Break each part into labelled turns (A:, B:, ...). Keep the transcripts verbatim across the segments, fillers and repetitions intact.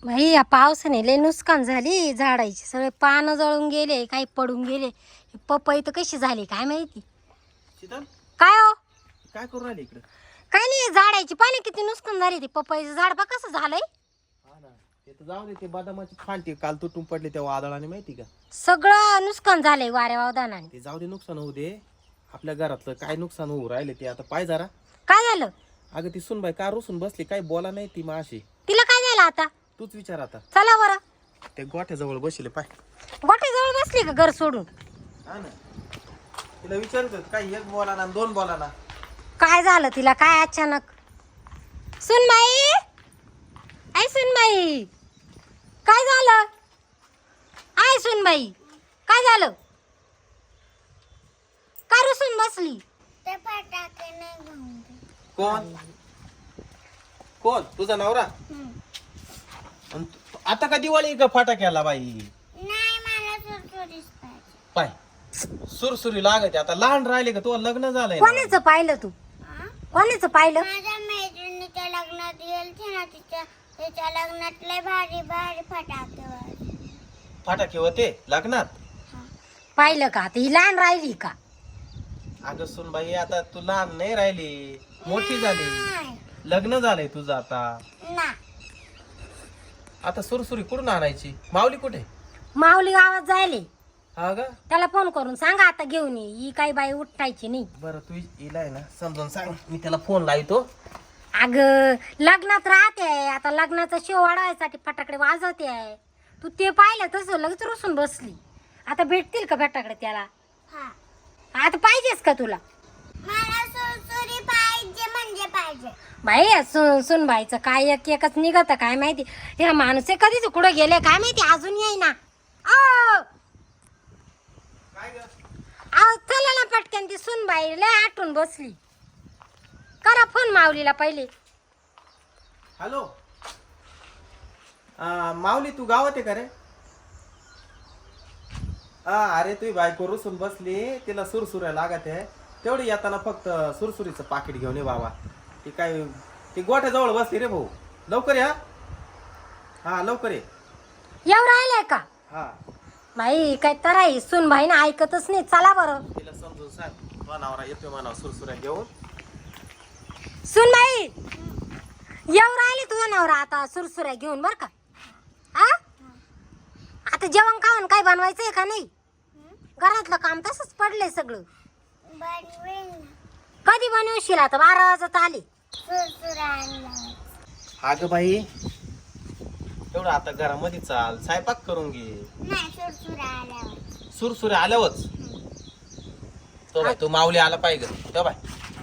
A: बाई या पावसाने लय नुकसान झाली झाडाची, सगळे पानं जळून गेले, काही पडून गेले. पपई तर कशी झाली काय माहिती.
B: शीतल
A: काय हो
B: काय करू राहिले इकडे?
A: काय नाही, झाडाची पाणी किती नुकसान झाली. ती पपईचं झाड बा कसं झालंय.
B: हा ना, ते तर जाऊ दे. ते बदामाची फांटी काल तुटून पडली त्या वादळाने, माहिती का?
A: सगळं नुकसान झालंय वाऱ्या वावदानाने.
B: ते जाऊ दे, नुकसान होऊ दे. आपल्या घरातलं काय नुकसान होऊ राहिले ते आता पाय जरा.
A: काय झालं?
B: अगं ती सुनबाई का रुसून बसली, काय बोला नाही ती माशी.
A: तिला काय झालं आता?
B: तूच विचार आता.
A: चला बरं.
B: ते गोठ्याजवळ बसले पाय.
A: गोठ्याजवळ बसली का घर सोडून?
B: हा ना, तिला विचारतो काय एक बोला ना दोन बोला ना.
A: काय झालं तिला काय अचानक? सुनबाई, आई सुनबाई, काय झालं? आई सुनबाई, काय झालं? का रुसून बसली?
C: ते फटाके नाही घेऊन दे.
B: कोण कोण तुझा नवरा? अन तू- आता का दिवाळी का फटाक्याला बाई?
C: नाही, मला सुरसुरीच पाहिजे.
B: पाय सुरसुरी लागते. आता लहान राहिले का? तुला लग्न झालंय ना?
A: कोणाचं पाहिलं तू?
C: हा?
A: कोणाचं पाहिलं?
C: माझ्या मैत्रिणीच्या लग्नात गेलते ना, तिच्या तिच्या लग्नात लय भारी भारी फटाके वाजले.
B: फटाके होते लग्नात?
A: पाहिलं का? आता ही लहान राहिली का?
B: अगं सुन बाई, आता तू लहान नाही राहिली, मोठी झाली.
C: नाही
B: लग्न झालंय तुझं आता.
C: ना,
B: आता सुरसुरी कुठून आणायची? माऊली कुठे?
A: माऊली गावात जायले.
B: हा का?
A: त्याला फोन करून सांगा आता घेऊन ये. ही काही बाई उठायची नाही.
B: बरं, तू इलाय ना समजून सांग, मी त्याला फोन लावतो.
A: अग लग्नात राहते, आता लग्नाचा शो वाढवायसाठी फटाकडे वाजवते आहे. तू ते पाहिलं तसं लगेच रुसून बसली. आता भेटतील का फटाकडे त्याला?
C: हा,
A: आता पाहिजेच का तुला?
C: मला सुरसुरी पाहिजे म्हणजे पाहिजे.
A: बाई सुन सुन बाईचं काय एक एकच निघत काय माहिती. ह्या माणूस कधीच कुठं गेले काय माहिती, अजून येई ना.
B: काय ग?
A: अहो चला ना पटकन, ती सुन बाई लय आठवून बसली. करा फोन माऊलीला पहिले.
B: हॅलो, आ, माऊली तू गावात आहे का रे? हा, अरे तुझी बायको रुसून बसली, तिला सुरसुऱ्या लागत आहे. तेवढी येताना फक्त सुरसुरीचं पाकिट घेऊन ये बाबा. ती काय ती गोठ्याजवळ बसली रे भाऊ. लवकर या. हा लवकर ये.
A: येऊ राहिलंय का?
B: हा,
A: बाई काय तर आहे, सुन बाई ना ऐकतच नाही. चला बरं.
B: तिला समजून सांग, तुझा नवरा येतोय म्हणा सुरसुऱ्या घेऊन.
A: सुन बाई येऊ राहिले तुझा नवरा आता सुरसुऱ्या घेऊन, बर का? हा, आता जेवण खाऊन काय बनवायचंय का नाही? घरातलं काम तसंच पडलंय सगळं.
C: बनवेल ना,
A: कधी बनवशील? आता बारा वाजत आले.
C: सुरसुरी आणला.
B: अगं बाई, एवढं आता घरामध्ये चाल, स्वयंपाक करून घे.
C: नाही, सुरसुरी आल्यावर.
B: सुरसुऱ्या आल्यावरच तो बाय तू माऊली आला पाहिजे. तो बाय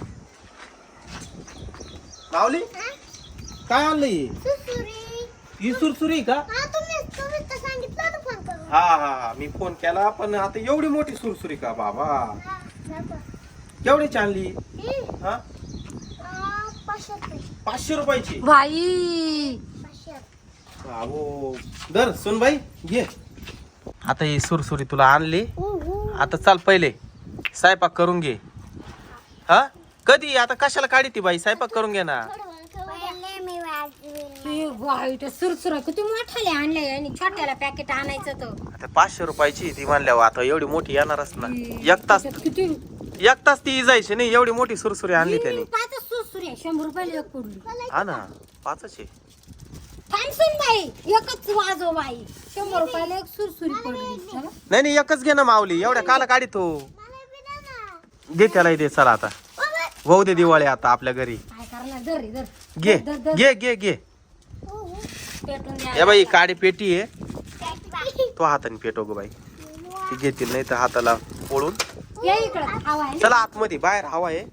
B: माऊली काय आणलं ही?
C: सुरसुरी.
B: ही सुरसुरी का?
C: हा, तुम्ही तुम्ही तर सांगितलं होतं फोन करून.
B: हा हा हा, मी फोन केला, पण आता एवढी मोठी सुरसुरी का बाबा?
C: हा, दाखवा.
B: केवढीची आणली?
C: ही,
B: हा,
C: आ, पाचशे रुपये.
B: पाचशे रुपयाची.
A: बाई
C: पाचशे.
B: बाबो दर सुनबाई घे. आता ही सुरसुरी तुला आणली. आता चाल पहिले स्वयंपाक करून घे. हा, कधी आता कशाला काढी ती बाई? स्वयंपाक करून घे ना.
C: पहिले मी वाजवेल.
A: ए बाई, त्या सुरसुऱ्या किती मोठाले आणले आणि छोट्याला पॅकेट आणायचं तर.
B: आता पाचशे रुपयाची ती म्हणल्यावर आता एवढी मोठी येणारच ना. एक तास
A: त्याच्यात किती
B: एक तास ती जायची नाही, एवढी मोठी सुरसुरी आणली त्याने.
A: पाच सुरसुऱ्या शंभर रुपयाला एक पडली.
B: हा ना, पाचच आहे.
A: थांब सुन बाई, एकच वाजव बाई. शंभर रुपयाला एक सुरसुरी पडली. चला.
B: नाही नाही, एकच घे ना माऊली, एवढ्या काला काढी तो. दे त्याला दे. चला आता भाऊ दे दिवाळी आता आपल्या घरी.
A: काय करणार? धर रे, धर.
B: घे
A: धर, धर.
B: घे घे घे.
A: पेटून द्या.
B: या बाई काडी पेटी आहे, तो हाताने पेटव ग बाई. ती घेतील नाही तर हाताला ओळून.
A: ये इकडं, हवा आहे.
B: चला आतमध्ये, बाहेर हवा आहे.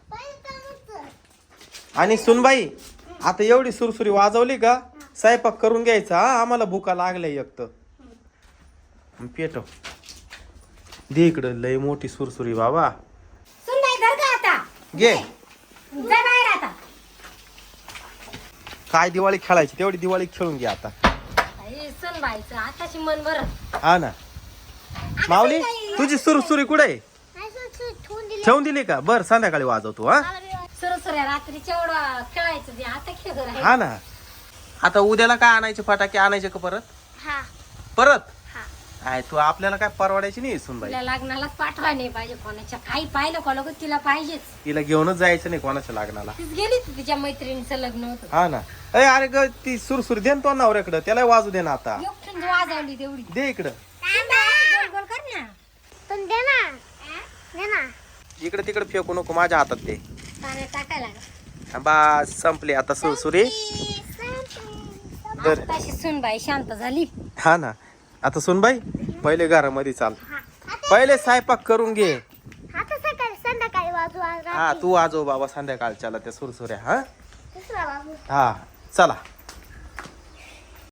B: आणि सुनबाई आता एवढी सुरसुरी वाजवली का स्वयंपाक करून घ्यायचा. हा, आम्हाला भुका लागल्या एक तर. पेटव दे इकडं, लय मोठी सुरसुरी बाबा.
A: सुन बाई, धर का आता?
B: घे.
A: जा बाहेर आता.
B: काय दिवाळी खेळायची तेवढी दिवाळी खेळून घे आता.
A: आई, सुन बाईचं आताशी मन बरं.
B: हा ना. माऊली तुझी सुरसुरी कुठे आहे?
C: नाही, सुरसुरी ठेवून दिली.
B: ठेवून दिली का? बर संध्याकाळी वाजवतो. हा
A: सुरसुऱ्या रात्रीच्या एवढं खेळायचं ते आता खेळ.
B: हा ना. आता उद्याला काय आणायचे फटाके आणायचे का परत
C: हा
B: परत
C: हा
B: आहे तू आपल्याला काय परवडायची नाही सुनबाई
A: तिला लग्नालाच पाठवाय नाही पाहिजे कोणाच्या काही पाहिलं का लोक तिला पाहिजेच.
B: तिला घेऊनच जायचं नाही कोणाच्या लग्नाला.
A: तीच गेली ती तिच्या मैत्रिणीचं लग्न होतं.
B: हा ना. अरे अरे ग ती सुरसुरी दे ना तो नवऱ्याकडं त्याला वाजू दे ना आता.
A: एकटीच वाजवली तेवढी.
B: दे इकडं
A: गोल गोल कर ना.
C: पण दे ना दे ना
B: इकडे तिकडे फेकू नको माझ्या हातात ते.
A: पाण्यात टाकायला लागलं.
B: बस संपली आता सुरसुरी. दर
A: तशी सुनबाई शांत झाली.
B: हा ना. आता सुनबाई पहिले घरामध्ये चाल पहिले स्वयंपाक करून घे.
C: आता सकाळी संध्याकाळी वाजू आज
B: हा तू आजो बाबा संध्याकाळच्याला त्या सुरसुऱ्या. हा
C: दुसरा बाबू
B: हा चला